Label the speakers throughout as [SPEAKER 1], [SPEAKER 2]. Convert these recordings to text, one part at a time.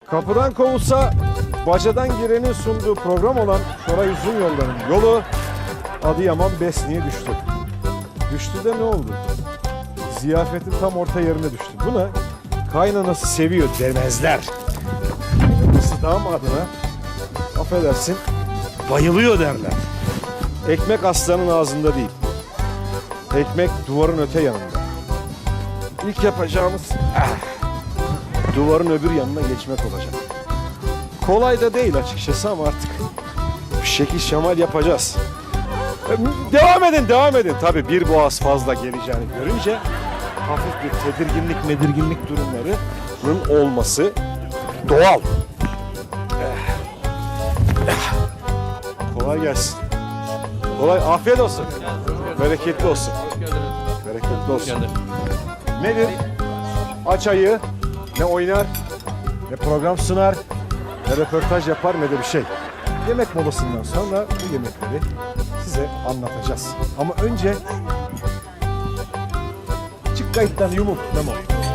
[SPEAKER 1] Kapıdan kovulsa bacadan girenin sunduğu program olan Şoray Uzun Yolların yolu Adıyaman Besni'ye düştü. Düştü de ne oldu? Ziyafetin tam orta yerine düştü. Buna kaynanası seviyor demezler. Kızı damadına affedersin bayılıyor derler. Ekmek aslanın ağzında değil. Ekmek duvarın öte yanında. İlk yapacağımız duvarın öbür yanına geçmek olacak. Kolay da değil açıkçası ama artık bir şekil şemal yapacağız. Devam edin. Tabii bir boğaz fazla geleceğini görünce hafif bir tedirginlik durumlarının olması doğal. Kolay gelsin. Afiyet olsun. Bereketli olsun. Bereketli olsun. Nedir? Aç ayı, ne oynar, ne program sunar, ne röportaj yapar, ne de bir şey. Yemek molasından sonra bu yemekleri size anlatacağız. Ama önce çık kayıttan yumuk. Tamam.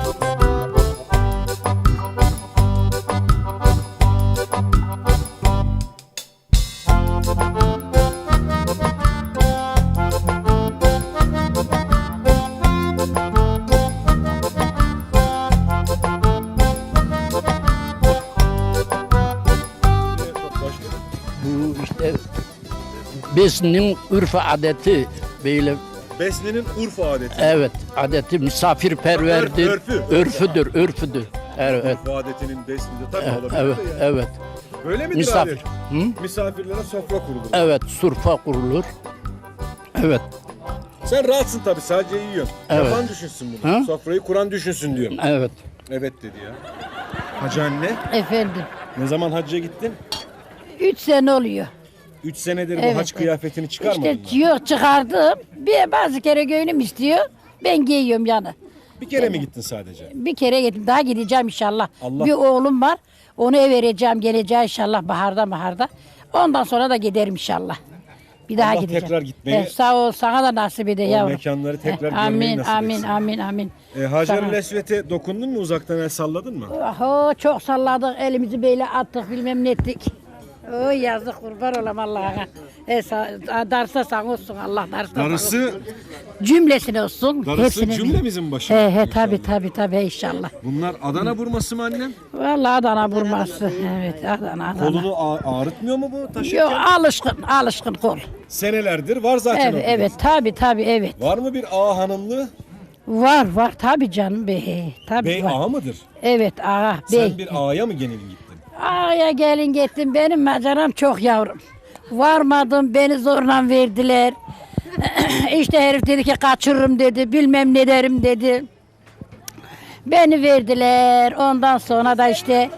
[SPEAKER 2] Bu işte Besni'nin örf adeti böyle.
[SPEAKER 1] Besni'nin Urfa adeti.
[SPEAKER 2] Evet, adeti misafirperverdir. Örfüdür. Evet.
[SPEAKER 1] Urfa adetinin Besni'de tabii olabilir
[SPEAKER 2] Evet,
[SPEAKER 1] de yani.
[SPEAKER 2] evet.
[SPEAKER 1] Böyle midir
[SPEAKER 2] Misafir.
[SPEAKER 1] adet?
[SPEAKER 2] Hı?
[SPEAKER 1] Misafirlere sofra kurulur.
[SPEAKER 2] Evet, surfa kurulur. Evet,
[SPEAKER 1] Sen rahatsın tabii, sadece yiyorsun.
[SPEAKER 2] Evet.
[SPEAKER 1] Yapan düşünsün bunu.
[SPEAKER 2] Ha?
[SPEAKER 1] Sofrayı kuran düşünsün diyorum.
[SPEAKER 2] evet.
[SPEAKER 1] Evet dedi ya. Hacı anne,
[SPEAKER 3] Efendim,
[SPEAKER 1] ne zaman hacca gittin?
[SPEAKER 3] 3 sene oluyor.
[SPEAKER 1] 3 senedir
[SPEAKER 3] Evet,
[SPEAKER 1] bu hac kıyafetini çıkarmadın
[SPEAKER 3] İşte
[SPEAKER 1] mı?
[SPEAKER 3] yok çıkardım. Bazı kere gönlüm istiyor. Ben giyiyorum yani.
[SPEAKER 1] Bir kere mi gittin sadece?
[SPEAKER 3] Bir kere gittim. Daha gideceğim inşallah.
[SPEAKER 1] Allah-
[SPEAKER 3] Bir oğlum var. Onu vereceğim. Geleceğim inşallah baharda. Ondan sonra da giderim inşallah. Bir daha
[SPEAKER 1] Allah
[SPEAKER 3] gideceğim.
[SPEAKER 1] tekrar gitmeyi-
[SPEAKER 3] Sağ ol. Sana da nasip ede
[SPEAKER 1] O
[SPEAKER 3] yavrum.
[SPEAKER 1] mekanları tekrar görmeyi
[SPEAKER 3] Amin,
[SPEAKER 1] nasip
[SPEAKER 3] amin,
[SPEAKER 1] etsin.
[SPEAKER 3] amin.
[SPEAKER 1] Hacer-i
[SPEAKER 3] Sana-
[SPEAKER 1] Lesvet'e dokundun mu? Uzaktan el salladın mı?
[SPEAKER 3] Oho, çok salladık. Elimizi böyle attık. Bilmem ne ettik. Oy yazık, kurban olam Allah'a. Darsa sana olsun Allah, darsa sana olsun.
[SPEAKER 1] Darısı,
[SPEAKER 3] Cümlesine olsun.
[SPEAKER 1] darısı
[SPEAKER 3] hepsine
[SPEAKER 1] cümlemizin başına.
[SPEAKER 3] He tabi inşallah.
[SPEAKER 1] Bunlar Adana vurması mı annem?
[SPEAKER 3] Vallahi Adana vurması. Evet Adana.
[SPEAKER 1] Kolunu ağrıtmıyor mu bu taşırken?
[SPEAKER 3] Yok, alışkın kol.
[SPEAKER 1] Senelerdir var zaten.
[SPEAKER 3] Evet
[SPEAKER 1] ortada.
[SPEAKER 3] tabi evet.
[SPEAKER 1] Var mı bir ağa hanımlı?
[SPEAKER 3] Var tabi canım bey. Tabi
[SPEAKER 1] Bey
[SPEAKER 3] var.
[SPEAKER 1] ağa mıdır?
[SPEAKER 3] Evet ağa bey.
[SPEAKER 1] Sen bir ağaya mı gelin gittin?
[SPEAKER 3] Ağaya gelin gittim, benim maceram çok yavrum. Varmadım, beni zorla verdiler. İşte herif dedi ki kaçırırım dedi, bilmem ne derim dedi. Beni verdiler, ondan sonra da işte...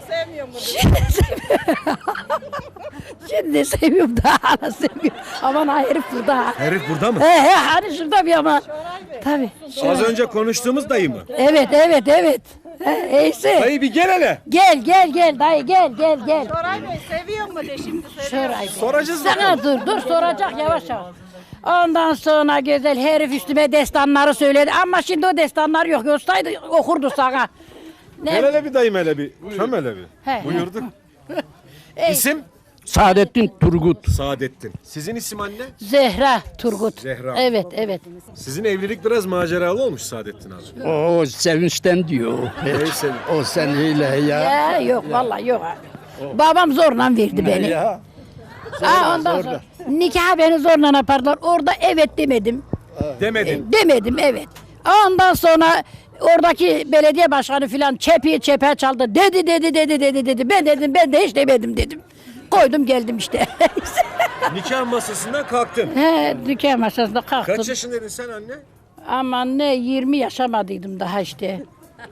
[SPEAKER 3] Şimdi seviyorum daha hala seviyorum. Aman ha, herif burada.
[SPEAKER 1] Herif burada mı?
[SPEAKER 3] He hani şurada bir ama. Tabii.
[SPEAKER 1] Az önce konuştuğumuz dayı mı?
[SPEAKER 3] Evet. Eyse.
[SPEAKER 1] Dayı bir gel hele.
[SPEAKER 3] Gel dayı gel.
[SPEAKER 4] Şoray Bey seviyor mu de şimdi söyle.
[SPEAKER 3] Şoray Bey.
[SPEAKER 1] Soracağız bakalım.
[SPEAKER 3] Sana dur soracak yavaş. Ondan sonra güzel herif üstüme destanları söyledi ama şimdi o destanlar yok. Olsaydı okurdu sana.
[SPEAKER 1] Gel hele bir dayım hele bir. Çöm hele bir.
[SPEAKER 3] He.
[SPEAKER 1] Buyurduk.
[SPEAKER 3] Ey,
[SPEAKER 1] İsim?
[SPEAKER 2] Saadettin Turgut.
[SPEAKER 1] Saadettin. Sizin isim anne?
[SPEAKER 3] Zehra Turgut.
[SPEAKER 1] Zehra.
[SPEAKER 3] Evet.
[SPEAKER 1] Sizin evlilik biraz maceralı olmuş Saadettin abi.
[SPEAKER 2] O sevinçten diyor.
[SPEAKER 1] Neyse.
[SPEAKER 2] O seneyle ya.
[SPEAKER 3] Ya yok vallahi yok abi. Babam zorla verdi beni.
[SPEAKER 2] Ya.
[SPEAKER 3] Ondan sonra nikah beni zorla yaparlar. Orada evet demedim.
[SPEAKER 1] Demedin.
[SPEAKER 3] Demedim evet. Ondan sonra oradaki belediye başkanı filan çepe çaldı. Dedi. Ben de hiç demedim dedim. Koydum geldim işte.
[SPEAKER 1] Nikah masasından kalktın.
[SPEAKER 3] He, dükkan masasında kalktım.
[SPEAKER 1] Kaç yaşındaydın sen anne?
[SPEAKER 3] Aman ne 20 yaşamadıydım daha işte.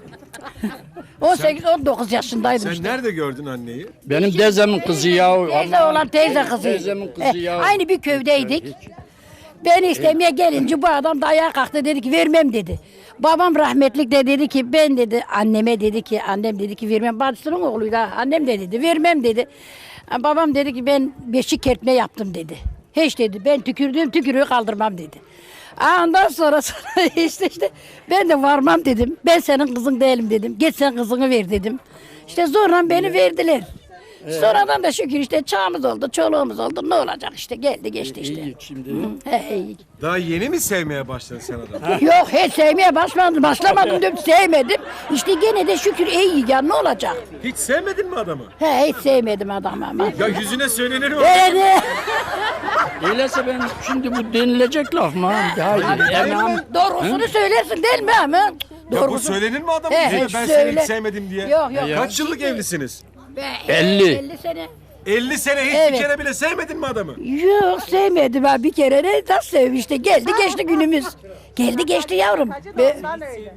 [SPEAKER 3] 18-19 yaşındaydım
[SPEAKER 1] Sen
[SPEAKER 3] işte.
[SPEAKER 1] nerede gördün anneyi?
[SPEAKER 2] Benim dezemin kızı ya.
[SPEAKER 3] Teyze olan teyze kızı.
[SPEAKER 2] Teyzemin kızı ya.
[SPEAKER 3] Aynı bir köydeydik. Beni istemeye gelince bu adam da ayağa kalktı, dedi ki vermem dedi. Babam rahmetlik de dedi ki ben dedi anneme dedi ki annem dedi ki vermem. Bacısının oğluydu ha. Annem de dedi vermem dedi. Babam dedi ki ben beşik kertme yaptım dedi. Hiç dedi ben tükürdüğüm tükürüğü kaldırmam dedi. Ondan sonra işte ben de varmam dedim. Ben senin kızın değilim dedim. Git sen kızını ver dedim. İşte zorla beni verdiler. Sonradan da şükür işte çağımız oldu, çoluğumuz oldu. Ne olacak işte geldi geçti işte.
[SPEAKER 2] İyi şimdi.
[SPEAKER 3] He, iyi.
[SPEAKER 1] Daha yeni mi sevmeye başladın sen adamı?
[SPEAKER 3] Yok hiç sevmeye başlamadım diyorum sevmedim. İşte gene de şükür iyi ya ne olacak?
[SPEAKER 1] Hiç sevmedin mi adamı?
[SPEAKER 3] He hiç sevmedim adamı ama.
[SPEAKER 1] Ya yüzüne söylenir mi?
[SPEAKER 3] Evet.
[SPEAKER 2] Öyleyse ben şimdi bu denilecek laf mı? Hayır. Emam.
[SPEAKER 3] Doğrusunu söylersin değil mi ama?
[SPEAKER 1] Ya bu
[SPEAKER 3] Doğrusunu.
[SPEAKER 1] söylenir mi adamın
[SPEAKER 3] He,
[SPEAKER 1] yüzüne?
[SPEAKER 3] he,
[SPEAKER 1] Ben
[SPEAKER 3] söyle.
[SPEAKER 1] seni hiç sevmedim diye.
[SPEAKER 3] Yok yok.
[SPEAKER 1] Kaç yıllık evlisiniz?
[SPEAKER 2] 50.
[SPEAKER 3] 50 sene.
[SPEAKER 1] 50 sene hiç
[SPEAKER 3] Evet.
[SPEAKER 1] bir kere bile sevmedin mi adamı?
[SPEAKER 3] Yok sevmedim ben bir kere ne nasıl sevmişti geldi geçti günümüz. Geldi geçti yavrum.
[SPEAKER 4] Sen öyle.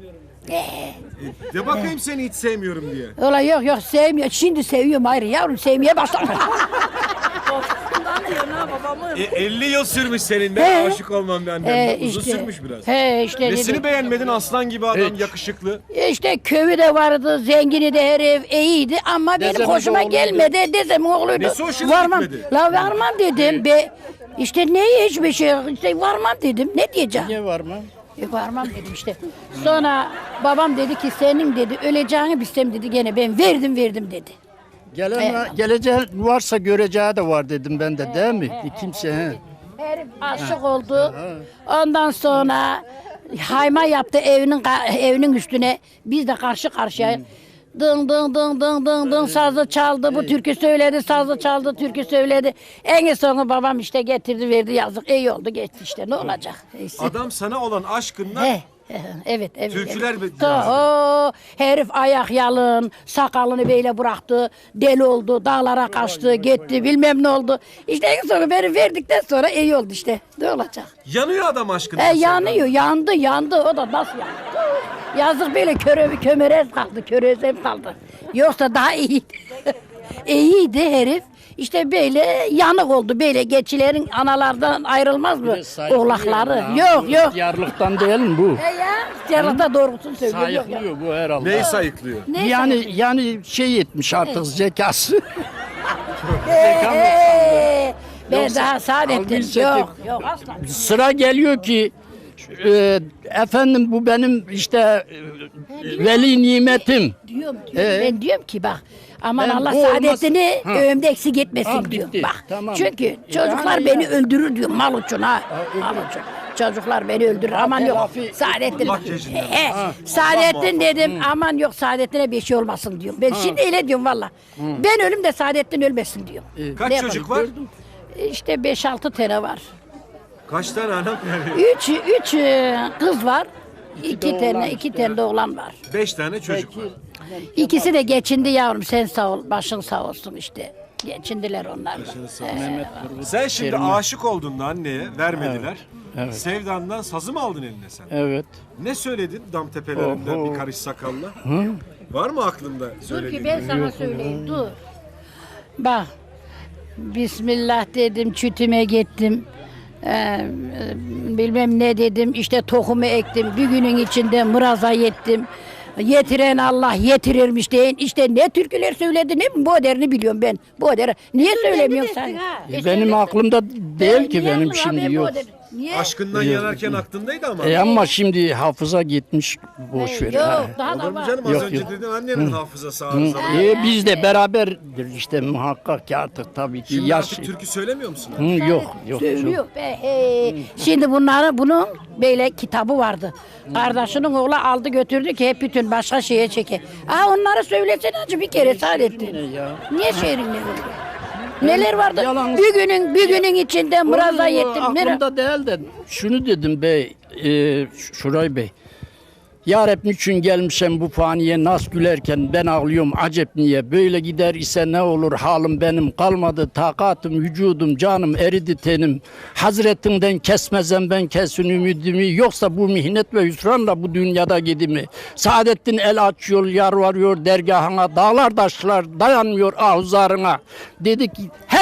[SPEAKER 1] De bakayım seni hiç sevmiyorum diye.
[SPEAKER 3] Ola yok sevmiyor. Şimdi seviyorum ayrı yavrum sevmeye başladım.
[SPEAKER 4] Anlıyor ne babamı.
[SPEAKER 1] 50 yıl sürmüş senin de
[SPEAKER 3] He.
[SPEAKER 1] aşık olmam bir annem. Uzun sürmüş biraz.
[SPEAKER 3] He işte.
[SPEAKER 1] Nesini beğenmedin aslan gibi adam
[SPEAKER 2] Hiç.
[SPEAKER 1] yakışıklı.
[SPEAKER 3] İşte köyü de vardı, zengini de herif iyiydi ama benim
[SPEAKER 2] Dezemin
[SPEAKER 3] hoşuma
[SPEAKER 2] oğluydu.
[SPEAKER 3] gelmedi. Dezemin oğluydu.
[SPEAKER 1] Nesi hoşuna
[SPEAKER 3] Varmam.
[SPEAKER 1] gitmedi?
[SPEAKER 3] La varmam dedim. İşte neye hiçbir şey işte varmam dedim. Ne diyeceğim?
[SPEAKER 2] Niye var mı?
[SPEAKER 3] Varmam dedim işte. Sonra babam dedi ki senin dedi öleceğini bilsem dedi gene ben verdim dedi.
[SPEAKER 2] Geleceği varsa göreceği de var dedim ben de değil mi? Kimse he.
[SPEAKER 3] Herif aşık oldu. Ondan sonra hayma yaptı evinin üstüne. Biz de karşı karşıya. Dın dın dın dın dın dın sazı çaldı. Bu türkü söyledi, sazı çaldı, türkü söyledi. En sonu babam işte getirdi verdi yazık. İyi oldu geçti işte ne olacak? Neyse.
[SPEAKER 1] Adam sana olan aşkından
[SPEAKER 3] Evet.
[SPEAKER 1] Türküler
[SPEAKER 3] evet.
[SPEAKER 1] be-
[SPEAKER 3] O herif ayak yalın, sakalını böyle bıraktı, deli oldu, dağlara kaçtı, gitti, bilmem ne oldu. İşte en son beni verdikten sonra iyi oldu işte. Ne olacak?
[SPEAKER 1] yanıyor adam aşkından.
[SPEAKER 3] Yanıyor, yandı. O da nasıl yandı? Yazık böyle kömürez kaldı, körezem kaldı. Yoksa daha iyiydi. İyiydi herif. İşte böyle yanık oldu böyle geçilerin analardan ayrılmaz mı? Oğlakları. Yok.
[SPEAKER 2] Yarlıktan değil mi bu?
[SPEAKER 3] Ya yarıda doğrusunu söylüyor. Yok.
[SPEAKER 2] Sayıklıyor bu herhalde.
[SPEAKER 1] Neyi sayıklıyor?
[SPEAKER 3] Neyse.
[SPEAKER 2] Yani şey etmiş artık zekası.
[SPEAKER 3] Ben
[SPEAKER 2] Yoksa
[SPEAKER 3] daha Saadettin.
[SPEAKER 2] algı
[SPEAKER 3] Yok asla.
[SPEAKER 2] Sıra geliyor ki efendim bu benim işte veli nimetim.
[SPEAKER 3] Diyorum. Ben diyorum ki bak aman
[SPEAKER 2] Ben
[SPEAKER 3] Allah
[SPEAKER 2] bu olmaz-
[SPEAKER 3] Saadetini
[SPEAKER 2] Ha.
[SPEAKER 3] ömde eksik etmesin
[SPEAKER 2] Ha,
[SPEAKER 3] diyorum.
[SPEAKER 2] bitti.
[SPEAKER 3] Bak
[SPEAKER 2] Tamam.
[SPEAKER 3] çünkü çocuklar
[SPEAKER 2] Yani
[SPEAKER 3] beni
[SPEAKER 2] ya.
[SPEAKER 3] öldürür diyorum mal için ha. Mal için. Çocuklar beni öldürür aman yok.
[SPEAKER 2] telafi-
[SPEAKER 3] Saadettin.
[SPEAKER 1] Makyajından.
[SPEAKER 3] Saadettin dedim aman yok Saadettin'e bir şey olmasın diyorum. Ben şimdi öyle diyorum valla. Ben ölüm de Saadettin ölmesin diyorum.
[SPEAKER 1] Kaç
[SPEAKER 3] Ne
[SPEAKER 1] çocuk
[SPEAKER 3] yapalım?
[SPEAKER 1] var?
[SPEAKER 3] İşte 5-6 tane var.
[SPEAKER 1] Kaç tane anam?
[SPEAKER 3] Üç kız var. İki tane de oğlan var.
[SPEAKER 1] 5 tane çocuk var.
[SPEAKER 3] İkisi de geçindi yavrum sen sağ ol başın sağ olsun işte. Geçindiler onlar da.
[SPEAKER 1] Sen şimdi aşık olduğunda anneye vermediler. Sevdandan sazı mı aldın eline sen?
[SPEAKER 2] Evet.
[SPEAKER 1] Ne söyledin dam tepelerinden
[SPEAKER 2] Oho.
[SPEAKER 1] bir karış sakalla? Var mı aklında
[SPEAKER 3] Dur
[SPEAKER 1] söylediğin?
[SPEAKER 3] ki ben sana söyleyeyim dur. Bak. Bismillah dedim çütüme gittim. Bilmem ne dedim işte tohumu ektim. Bir günün içinde mıraza yettim. Yetiren Allah yetirirmiş deyin. İşte ne türküler söyledi ne bu derini biliyorum ben. Bu deri. Niye söylemiyorsun sen?
[SPEAKER 2] Benim aklımda değil ki benim şimdi yok.
[SPEAKER 3] Niye?
[SPEAKER 1] Aşkından yanarken aklındaydı ama.
[SPEAKER 2] Ama şimdi hafıza gitmiş boş ver.
[SPEAKER 3] Yok daha
[SPEAKER 1] Olur
[SPEAKER 3] da
[SPEAKER 1] mu
[SPEAKER 3] var.
[SPEAKER 1] canım az
[SPEAKER 2] Yok,
[SPEAKER 1] önce
[SPEAKER 2] yok.
[SPEAKER 1] dedin annenin hafızası arızalı.
[SPEAKER 2] Biz de beraberdir işte muhakkak ki artık tabii ki
[SPEAKER 1] Şimdi
[SPEAKER 2] yaş.
[SPEAKER 1] artık türkü söylemiyor musun?
[SPEAKER 2] Yok.
[SPEAKER 3] Söylüyor be. Şimdi bunun böyle kitabı vardı. Kardeşinin oğlu aldı götürdü ki hep bütün başka şeye çeke. Onları söylesene acı bir kere Saadettin. Niye şehrin ne oldu? Neler vardı?
[SPEAKER 2] Yalan-
[SPEAKER 3] Bir günün içinde mıraza yettim.
[SPEAKER 2] Aklımda değil de şunu dedim bey, Şuray Bey. Ya Rab niçin gelmişim bu faniye nas gülerken ben ağlıyorum acep niye böyle gider ise ne olur halim benim kalmadı takatım vücudum canım eridi tenim Hazretinden kesmezem ben kesin ümidimi yoksa bu mihnet ve hüsranla bu dünyada gidimi Saadettin el açıyor yar varıyor dergahına dağlar taşlar dayanmıyor ahuzarına dedi ki her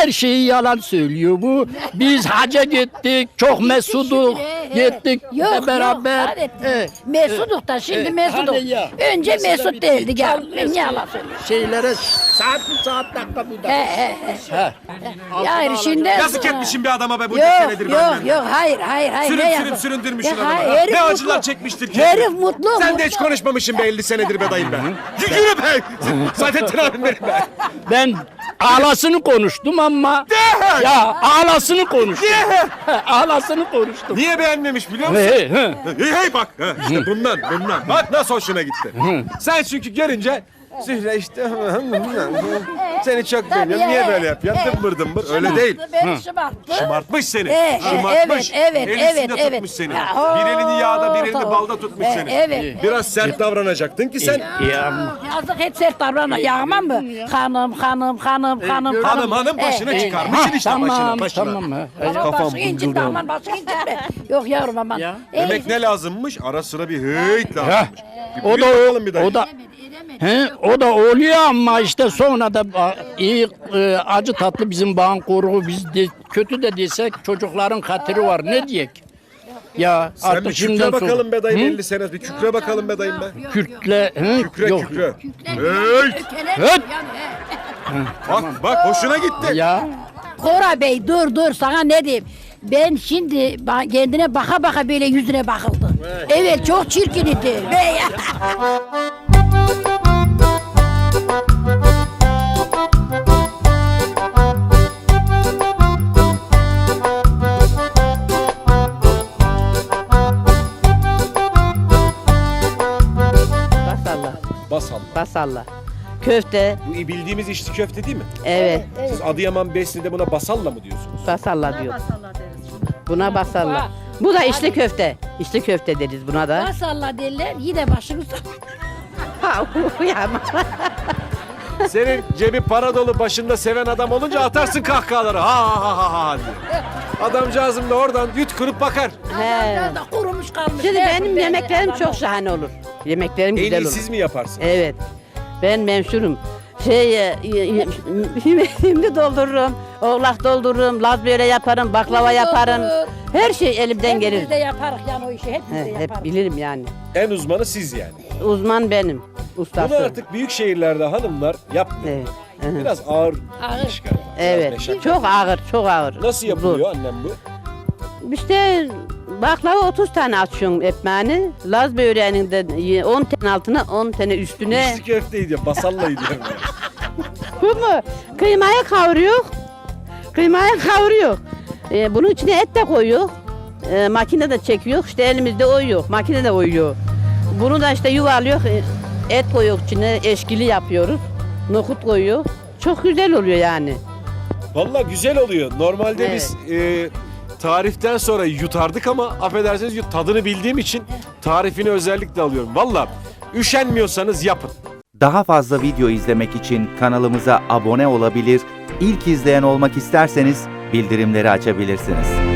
[SPEAKER 2] her şeyi yalan söylüyor bu. Biz hacca gittik, çok mesuduk. Gittik
[SPEAKER 3] Yok,
[SPEAKER 2] beraber.
[SPEAKER 3] Yok, Mesuduk da şimdi Mesuduk.
[SPEAKER 2] hani ya.
[SPEAKER 3] Önce
[SPEAKER 2] Mesela
[SPEAKER 3] Mesut
[SPEAKER 2] bir
[SPEAKER 3] değildik ya.
[SPEAKER 2] çal
[SPEAKER 3] Ben
[SPEAKER 2] eski
[SPEAKER 3] yalan söylüyorum.
[SPEAKER 2] Şeylere saat bu saat dakika bu dakika.
[SPEAKER 3] He.
[SPEAKER 2] He.
[SPEAKER 3] Yani şimdi
[SPEAKER 5] Yazık etmişim bir adama be bunca
[SPEAKER 3] Yok
[SPEAKER 5] senedir benden.
[SPEAKER 3] yok hayır.
[SPEAKER 5] Sürüp
[SPEAKER 3] ne
[SPEAKER 5] sürüp
[SPEAKER 3] yazık?
[SPEAKER 5] süründürmüşsün
[SPEAKER 3] Ya,
[SPEAKER 5] adamı.
[SPEAKER 3] herif
[SPEAKER 5] Ne
[SPEAKER 3] mutlu.
[SPEAKER 5] acılar çekmiştir ki.
[SPEAKER 3] Herif mutlu.
[SPEAKER 5] Sen de hiç konuşmamışsın be 50 senedir be dayım be. Yürü be. Saadettin abim benim be.
[SPEAKER 2] Ben ağlasını konuştum ama ya ağlasını konuştum. Ağlasını konuştum.
[SPEAKER 5] Niye beğenmemiş biliyor musun?
[SPEAKER 2] He.
[SPEAKER 5] Hey bak. İşte bundan. Bak nasıl hoşuna gitti. Sen çünkü görünce Zühre işte seni çok beğeniyorum. Niye böyle yapıyorsun? Dımbır. Öyle değil.
[SPEAKER 3] Beni şımarttı.
[SPEAKER 5] Şımartmış seni.
[SPEAKER 3] Evet,
[SPEAKER 5] Şımartmış.
[SPEAKER 3] evet,
[SPEAKER 5] Elisinde
[SPEAKER 3] evet.
[SPEAKER 5] tutmuş seni.
[SPEAKER 3] Ya,
[SPEAKER 5] Bir elini yağda bir elini
[SPEAKER 3] tamam.
[SPEAKER 5] balda tutmuş seni.
[SPEAKER 3] Evet.
[SPEAKER 5] Biraz sert davranacaktın ki sen.
[SPEAKER 3] Yazık hiç sert davranma. Yağmam mı? Hanım.
[SPEAKER 5] Hanım başını çıkarmışsın işte başını.
[SPEAKER 2] Tamam.
[SPEAKER 3] Aman
[SPEAKER 5] Kafam
[SPEAKER 3] başını incitme,
[SPEAKER 5] bulgurdu.
[SPEAKER 3] aman başını incitme. Yok yavrum aman.
[SPEAKER 2] Ya.
[SPEAKER 5] Demek ne lazımmış? Ara sıra bir heyt lazımmış.
[SPEAKER 2] O da
[SPEAKER 5] bakalım bir dayı.
[SPEAKER 2] o da oluyor ama işte sonra da iyi acı tatlı bizim bağın koruğu biz de, kötü de desek çocukların hatırı var ne diyek? Ya
[SPEAKER 5] Sen bir
[SPEAKER 2] artık
[SPEAKER 5] kükre
[SPEAKER 2] şimdiden sonra
[SPEAKER 5] bakalım be dayım 50 sene. Bir kükre bakalım be dayım be.
[SPEAKER 2] Kürtle
[SPEAKER 5] Kükre
[SPEAKER 2] yok.
[SPEAKER 5] kükre. Heyt.
[SPEAKER 2] Höt!
[SPEAKER 5] Bak hoşuna gitti.
[SPEAKER 2] Ya
[SPEAKER 3] Kora Bey dur sana ne diyeyim. Ben şimdi kendine baka böyle yüzüne bakıldı. Evet çok çirkin idi. Bey.
[SPEAKER 6] Basalla.
[SPEAKER 5] Basalım.
[SPEAKER 6] Basalla. Köfte.
[SPEAKER 5] Bu bildiğimiz içli köfte değil mi?
[SPEAKER 6] Evet.
[SPEAKER 5] Siz Adıyaman Besni'de buna basalla mı diyorsunuz?
[SPEAKER 6] Basalla diyor. Buna basalla. Bu da içli köfte. İçli köfte deriz buna da.
[SPEAKER 3] Maşallah derler yine başını
[SPEAKER 6] Ha, uyama.
[SPEAKER 5] Senin cebi para dolu başında seven adam olunca atarsın kahkahaları. Ha diye. Adamcağızım da oradan yutkurup bakar.
[SPEAKER 6] He.
[SPEAKER 3] da kurumuş kalmış.
[SPEAKER 6] Şimdi
[SPEAKER 3] Ne
[SPEAKER 6] benim
[SPEAKER 3] yapayım ben
[SPEAKER 6] yemeklerim
[SPEAKER 3] de?
[SPEAKER 6] çok şahane olur. Yemeklerim
[SPEAKER 5] En
[SPEAKER 6] güzel
[SPEAKER 5] iyi
[SPEAKER 6] olur.
[SPEAKER 5] siz mi yaparsınız?
[SPEAKER 6] Evet. Ben memşurum. Şimdi doldururum, oğlak doldururum, laz böreği yaparım, baklava yaparım. Her şey elimden gelir.
[SPEAKER 3] Hepimiz de yaparız yani o işi hepimiz de
[SPEAKER 6] He,
[SPEAKER 3] yaparız.
[SPEAKER 6] hep bilirim yani.
[SPEAKER 5] En uzmanı siz yani.
[SPEAKER 6] Uzman benim,
[SPEAKER 5] Bunu
[SPEAKER 6] ustası.
[SPEAKER 5] artık büyük şehirlerde hanımlar yapmıyor.
[SPEAKER 6] Evet. Hı hı.
[SPEAKER 5] Biraz ağır
[SPEAKER 3] Ağır.
[SPEAKER 5] iş galiba. Biraz
[SPEAKER 6] Evet.
[SPEAKER 5] meşakkatli.
[SPEAKER 6] Çok ağır, çok ağır.
[SPEAKER 5] Nasıl yapılıyor annem bu?
[SPEAKER 6] İşte baklava 30 tane açıyorsun ekmeğini. Laz böreğinin de 10 tane altına 10 tane üstüne.
[SPEAKER 5] İçli köfteydi ya, basallaydı.
[SPEAKER 6] Bu mu? Kıymayı kavuruyor. Bunun içine et de koyuyor. Makinede çekiyor. İşte elimizde oyuyor. Makinede oyuyor. Bunu da işte yuvarlıyor. Et koyuyor içine. Eşkili yapıyoruz. Nohut koyuyor. Çok güzel oluyor yani.
[SPEAKER 5] Vallahi güzel oluyor. Normalde
[SPEAKER 6] Evet.
[SPEAKER 5] biz tariften sonra yutardık ama affedersiniz tadını bildiğim için tarifini özellikle alıyorum. Vallahi üşenmiyorsanız yapın.
[SPEAKER 7] Daha fazla video izlemek için kanalımıza abone olabilir, ilk izleyen olmak isterseniz bildirimleri açabilirsiniz.